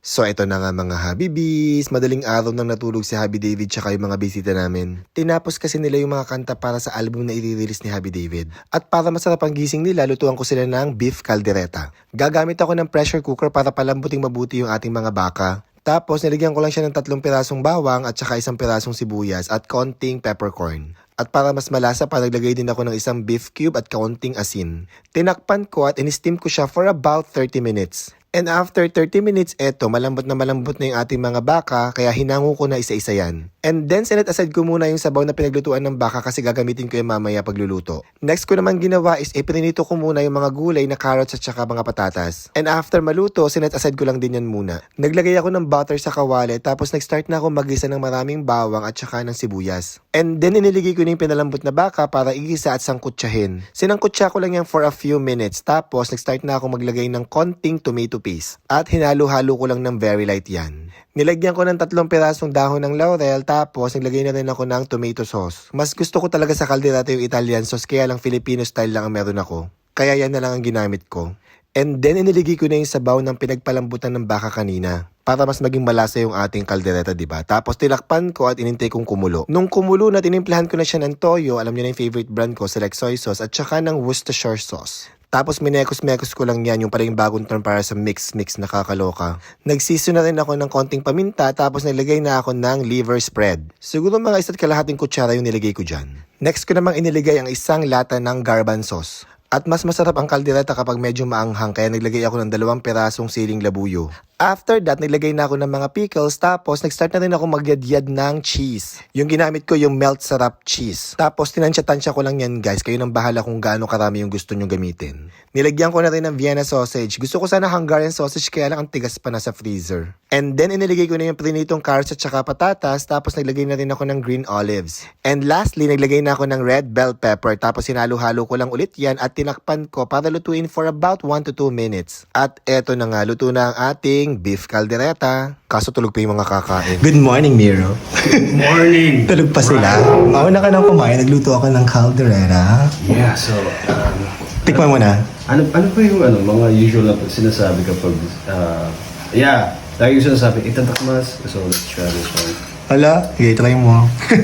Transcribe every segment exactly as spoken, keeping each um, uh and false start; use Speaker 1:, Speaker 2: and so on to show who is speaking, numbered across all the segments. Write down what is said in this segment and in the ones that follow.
Speaker 1: So ito na nga mga Habibis, madaling araw nang natulog si Habi David tsaka yung mga bisita namin. Tinapos kasi nila yung mga kanta para sa album na i-release ni Habi David. At para masarap ang gising nila, lutuan ko sila ng beef caldereta. Gagamit ako ng pressure cooker para palambuting mabuti yung ating mga baka. Tapos nilagyan ko lang siya ng tatlong pirasong bawang at saka isang pirasong sibuyas at konting peppercorn. At para mas malasa pa, naglagay din ako ng isang beef cube at kaunting asin. Tinakpan ko at in-steam ko siya for about thirty minutes. And after thirty minutes, eto, malambot na malambot na yung ating mga baka, kaya hinango ko na isa-isa yan. And then, sinet aside ko muna yung sabaw na pinaglutuan ng baka kasi gagamitin ko yung mamaya pagluluto. Next ko naman ginawa is iprinito ko muna yung mga gulay na carrots at saka mga patatas. And after maluto, sinet aside ko lang din yan muna. Naglagay ako ng butter sa kawali, tapos nag-start na ako magisa ng maraming bawang at saka ng sibuyas. And then, iniligay ko na yung pinalambot na baka para igisa at sangkutsahin. Sinangkutsa ko lang yan for a few minutes, tapos nag-start na ako maglagay ng konting tomato paste. At hinalo-halo ko lang ng very light yan. Nilagyan ko ng tatlong pirasong dahon ng laurel, tapos naglagay na rin ako ng tomato sauce. Mas gusto ko talaga sa caldereta yung Italian sauce, kaya lang Filipino style lang ang meron ako. Kaya yan na lang ang ginamit ko. And then iniligay ko na yung sabaw ng pinagpalambutan ng baka kanina. Para mas maging malasa yung ating caldereta, diba? Tapos tilakpan ko at inintay kong kumulo. Nung kumulo na, tinimplahan ko na siya ng toyo, alam niyo na yung favorite brand ko, Select Soy Sauce, at saka ng Worcestershire Sauce. Tapos minekos-mekos ko lang yan, yung parang bagong term para sa mix-mix na kakaloka. Nagsiso na rin ako ng konting paminta, tapos nilagay na ako ng liver spread. Siguro mga isa't kalahating kutsara yung nilagay ko dyan. Next ko namang iniligay ang isang lata ng garban sauce. At mas masarap ang caldereta kapag medyo maanghang, kaya naglagay ako ng dalawang pirasong siling labuyo. After that, naglagay na ako ng mga pickles, tapos nag-start na rin ako magyadyad ng cheese. Yung ginamit ko yung melt syrup cheese. Tapos tinansya-tansya ko lang yan guys, kayo nang bahala kung gaano karami yung gusto nyo gamitin. Nilagyan ko na rin ng Vienna sausage. Gusto ko sana Hungarian sausage, kaya lang ang tigas pa na sa freezer. And then iniligay ko na yung prinitong carrots at saka patatas, tapos naglagay na rin ako ng green olives. And lastly, naglagay na ako ng red bell pepper, tapos hinalo-halo ko lang ulit yan at tinakpan ko para lutuin for about one to two minutes. At eto na nga, luto na ang ating beef caldereta. Kaso tulog pa yung mga kakain. Good morning, Miro.
Speaker 2: Good morning!
Speaker 1: Tulog pa sila. Mauna ka nang kumain, nagluto ako ng caldereta.
Speaker 2: Yeah, so, um,
Speaker 1: Tikman mo na.
Speaker 2: ano, ano pa yung ano, mga usual na sinasabi kapag, uh, yeah, lagi yung sinasabi, itatakmas, so let's try this one.
Speaker 1: Hala, sige, try mo.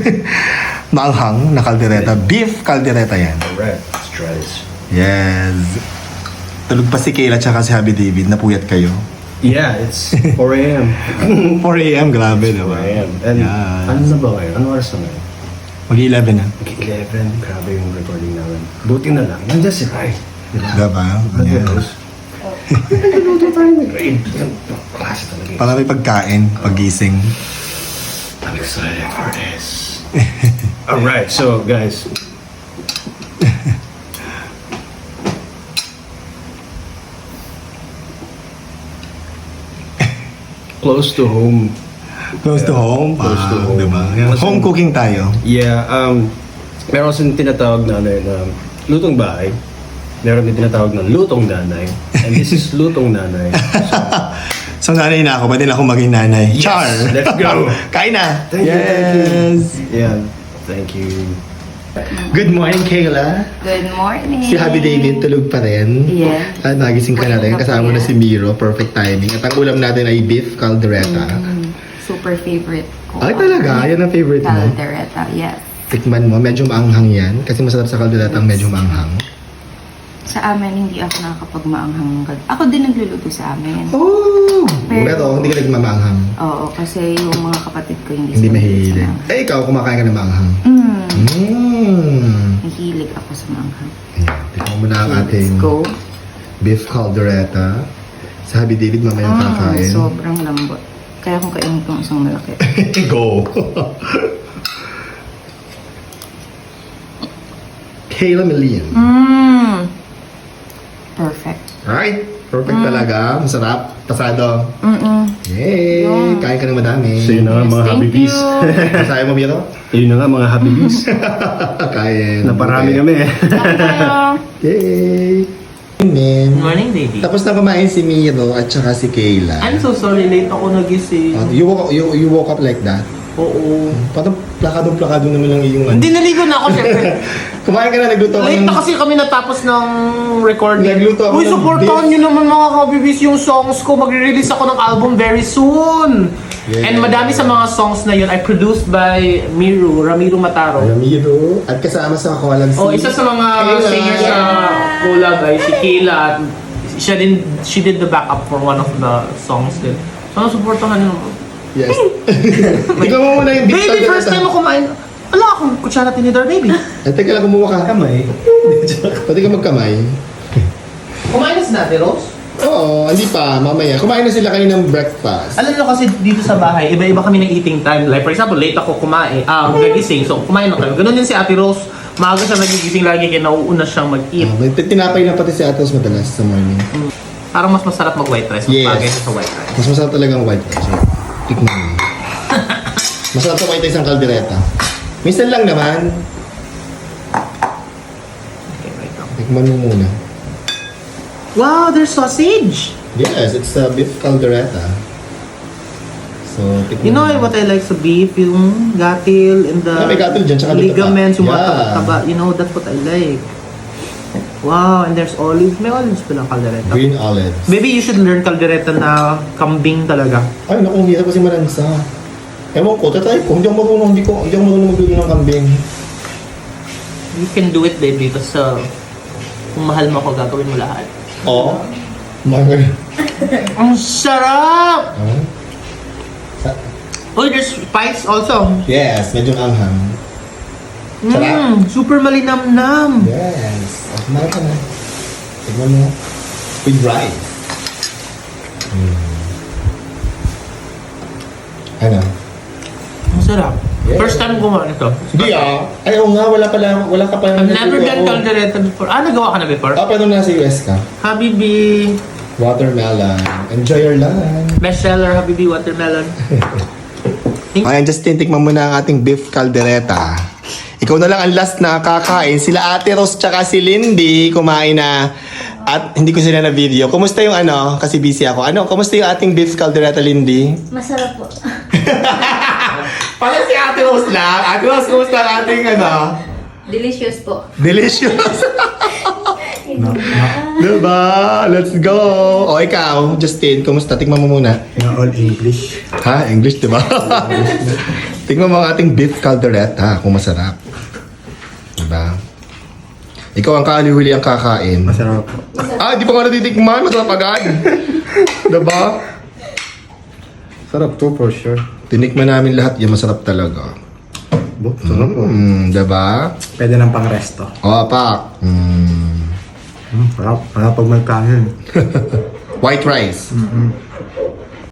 Speaker 1: Maanghang na caldereta. Beef caldereta yan.
Speaker 2: Alright, let's try this.
Speaker 1: Yes. Tulog pa si Kayla tsaka si Habi David. Napuyat kayo.
Speaker 2: Yeah, it's four a.m.
Speaker 1: four a.m. Grabe,
Speaker 2: four
Speaker 1: diba?
Speaker 2: a.m. And
Speaker 1: Yes.
Speaker 2: ano na ba ngayon? Ano oras na ngayon?
Speaker 1: mag-eleven na.
Speaker 2: eleven, grabe yung recording namin. Buti na lang, nandiyan si Rai. Diba?
Speaker 1: Diba?
Speaker 2: Nandiyan
Speaker 1: Yes.
Speaker 2: Rose. Nagluluto tayo ng grade. Klase talaga yun.
Speaker 1: Para may pagkain, pagising.
Speaker 2: I'm excited for this. Alright, so guys. Close to home.
Speaker 1: Close to home.
Speaker 2: Close to
Speaker 1: Ah,
Speaker 2: home.
Speaker 1: Diba? Yan.
Speaker 2: Kasi-
Speaker 1: Home cooking tayo.
Speaker 2: Yeah, um, meron kasing tinatawag na ano yun, um, lutong bahay. Meron din tinatawag na lutong nanay. And this is lutong nanay.
Speaker 1: So nanay na ako, pwede na ako maging nanay.
Speaker 2: Yes!
Speaker 1: Char!
Speaker 2: Let's go!
Speaker 1: Kain na!
Speaker 2: Thank you, thank you.
Speaker 1: yes!
Speaker 2: Yeah, thank you.
Speaker 1: Good morning, Kayla.
Speaker 3: Good morning.
Speaker 1: Si Habi David tulog pa rin.
Speaker 3: Yes.
Speaker 1: At nagising ka na rin. Kasama mo na si Miro. Perfect timing. At ang ulam natin ay beef caldereta.
Speaker 3: Mm, super favorite ko.
Speaker 1: Ay talaga? Yan ang favorite mo?
Speaker 3: Caldereta, yes.
Speaker 1: Tikman mo. Medyo maanghang yan. Kasi masarap sa caldereta ang medyo maanghang.
Speaker 3: Sa amin, hindi ako nakakapag-maanghang ng cal- Ako din nagluluto sa amin.
Speaker 1: Oh!
Speaker 3: Pero-
Speaker 1: Pero hindi ka nagmamaanghang.
Speaker 3: Oo, kasi yung mga kapatid ko hindi,
Speaker 1: Hindi
Speaker 3: sila
Speaker 1: mahilig.
Speaker 3: sa maanghang.
Speaker 1: Eh, ikaw kumakain ka ng maanghang.
Speaker 3: Mm,
Speaker 1: Mmm.
Speaker 3: nahilig ako sa maanghang.
Speaker 1: Tikman mo na ang
Speaker 3: Let's
Speaker 1: ating
Speaker 3: go.
Speaker 1: beef caldereta. Sa Habi David mamaya
Speaker 3: Mm,
Speaker 1: kakain.
Speaker 3: sobrang lambot. Kaya kung kainin ko isang malaki.
Speaker 1: Go! Kayla Million.
Speaker 3: Mmm. Perfect.
Speaker 1: Alright, perfect talaga. Masarap. Pasado.
Speaker 3: Mm-mm.
Speaker 1: Yay!
Speaker 3: Yeah.
Speaker 1: Kain ka ng madami.
Speaker 2: So yun na nga
Speaker 3: Yes,
Speaker 2: mga
Speaker 3: thank
Speaker 2: habibis.
Speaker 3: you.
Speaker 1: Masaya mo, Miro?
Speaker 2: Yun na nga mga habibis.
Speaker 1: Kain.
Speaker 2: Naparami
Speaker 1: Okay.
Speaker 2: kami eh.
Speaker 1: Yay! Good
Speaker 4: Good morning, baby.
Speaker 1: Tapos na kumain si Miro at saka si Kayla.
Speaker 4: I'm so sorry, late ako nagising.
Speaker 1: Oh, you, woke, you, you woke up like that?
Speaker 4: Oo.
Speaker 1: Parang plakadong-plakado naman lang yung ano.
Speaker 4: Hindi, naligo na ako, syempre.
Speaker 1: Kumain ka na, nagluto ka
Speaker 4: Late
Speaker 1: ng...
Speaker 4: na kasi kami natapos ng recording.
Speaker 1: Nagluto ako
Speaker 4: Uy,
Speaker 1: ng
Speaker 4: supportahan
Speaker 1: beef.
Speaker 4: nyo naman mga kabibis yung songs ko. Magre-release ako ng album very soon.
Speaker 1: Yeah.
Speaker 4: And madami sa mga songs na yun ay produced by Miru, Ramiro Mataro.
Speaker 1: Ramiro. At kasama sa kawalan si...
Speaker 4: Oh, isa sa mga
Speaker 1: Kayla.
Speaker 4: singers sa collab ay si Kayla at siya din, she did the backup for one of the songs din. So, supportahan nyo naman.
Speaker 1: Yes. Ikaw mo muna yung beef
Speaker 4: Baby, first time ako kumain. Wala akong kutsara tinidor, baby.
Speaker 1: Ay, teka lang, kumuha ka. Kamay. Pwede ka magkamay.
Speaker 4: Kumain na si Nati Rose?
Speaker 1: Oo, hindi pa. Mamaya. Kumain na sila kayo ng breakfast.
Speaker 4: Alam nyo kasi dito sa bahay, iba-iba kami ng eating time. Like for example, late ako kumain, ah, nagising, so kumain na kayo. Ganun din si Ate Rose, maaga siya nagigising lagi kaya nauuna siyang mag-eat.
Speaker 1: Uh, may tinapay na pati si Atos madalas sa morning.
Speaker 4: Parang mas masarap mag-white rice, mas
Speaker 1: Yes.
Speaker 4: bagay siya sa white rice.
Speaker 1: Mas masarap talaga ang white rice. Tikman mo. Masarap sa white rice ang kaldereta. Minsan lang naman.
Speaker 4: Okay, right now.
Speaker 1: Tikman mo muna.
Speaker 4: Wow, there's sausage!
Speaker 1: Yes, it's a beef caldereta. So, tikman
Speaker 4: You know
Speaker 1: mo.
Speaker 4: what I like sa beef? Yung gatil and the
Speaker 1: Ah, may gatil dyan, tsaka may taba.
Speaker 4: ligaments, yung mga
Speaker 1: Yeah.
Speaker 4: taba-taba. You know, that's what I like. Wow, and there's olives. May olives pala caldereta.
Speaker 1: Green olives.
Speaker 4: Maybe you should learn caldereta na kambing talaga.
Speaker 1: Ay, naku, ang hirap kasi malansa. Ewan ko, tatry ko. Hindi ako marunong, hindi ko, hindi ako marunong magluto ng kambing.
Speaker 4: You can do it, baby. Kasi uh, kung mahal mo ako, gagawin mo lahat.
Speaker 1: Oo. Mga...
Speaker 4: Ang sarap!
Speaker 1: Oh. Sa-
Speaker 4: Oh, there's spice also.
Speaker 1: Yes, medyo anghang. Sarap.
Speaker 4: Mmm, super malinamnam.
Speaker 1: Yes. At kumain ka na. Tignan mo. With rice. Mm. Ano?
Speaker 4: Ang sarap.
Speaker 1: Yeah.
Speaker 4: First time gumawa nito.
Speaker 1: Hindi ah. Ay, oo nga, wala pala, wala ka pa.
Speaker 4: I've never done caldereta before. Ah, nagawa ka na before?
Speaker 1: Ah, pero nasa U S ka.
Speaker 4: Habibi.
Speaker 1: Watermelon. Enjoy your lunch.
Speaker 4: Bestseller, Habibi Watermelon.
Speaker 1: Ayan, Justin, tikman mo na ang ating beef caldereta. Ikaw na lang ang last na kakain. Sila Ate Rose tsaka si Lindy kumain na. At hindi ko sila na video. Kumusta yung ano? Kasi busy ako. Ano? Kumusta yung ating beef caldereta, Lindy?
Speaker 5: Masarap po.
Speaker 1: Pala si Ate Rose lang. Ate Rose, kumusta ang ating ano?
Speaker 5: Delicious po.
Speaker 1: Delicious. Diba? Let's go. O ikaw, Justin, kumusta? Tikman mo muna.
Speaker 6: Na all English.
Speaker 1: Ha? English, diba? Tingnan mo ang ating beef caldereta kung masarap. Diba? Ikaw ang kaaliwili ang kakain.
Speaker 6: Masarap po.
Speaker 1: Ah, di pa nga natitikman. Masarap agad. Diba?
Speaker 6: Sarap to for sure.
Speaker 1: Tinikman namin lahat yan. Masarap talaga.
Speaker 6: Bo, sarap po.
Speaker 1: Mm, diba?
Speaker 6: Pwede ng pang-resto.
Speaker 1: O, pak. Mm.
Speaker 6: Hmm, sarap. Sarap pag may kanin.
Speaker 1: White rice.
Speaker 6: Mm-hmm.